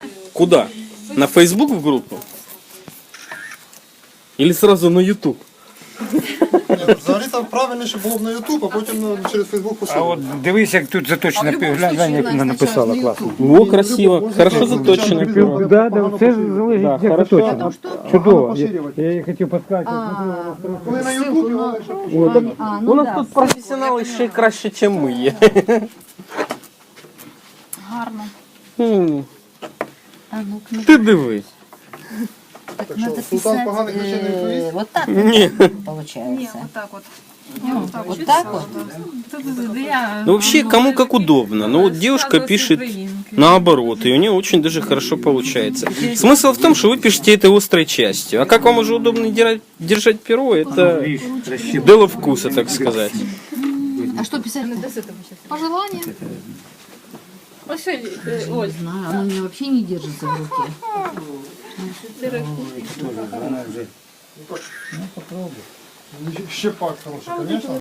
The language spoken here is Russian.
Куда? На Facebook в группу? Или сразу на YouTube? Взагалі-то правильніше було б на YouTube, а потім через Facebook А посилати. от дивись, як тут заточено, глянь, як вона написала, класно. О, красиво. Хорошо заточено. Да, да, це залежить, Да, як хорошо. заточено. Чудово. Я її хотів підказати. Коли на YouTube його легше У нас тут професіонали ще краще, ніж ми є. Гарно. М, А ну-ка, Ти дивись. Так що, султан поганих речей не відповість? вот так Ні. получается. Вот так вот. Вот так вот. Ну вообще, кому как удобно. Но вот девушка пишет наоборот, и у нее очень даже хорошо получается. Смысл в том, что вы пишете это острой частью. А как вам уже удобно держать перо, это дело вкуса, так сказать. А что писать? Пожелание. Ось, Оль, Не знаю, оно у меня вообще не держится в руке. Ще пак хороший, звісно.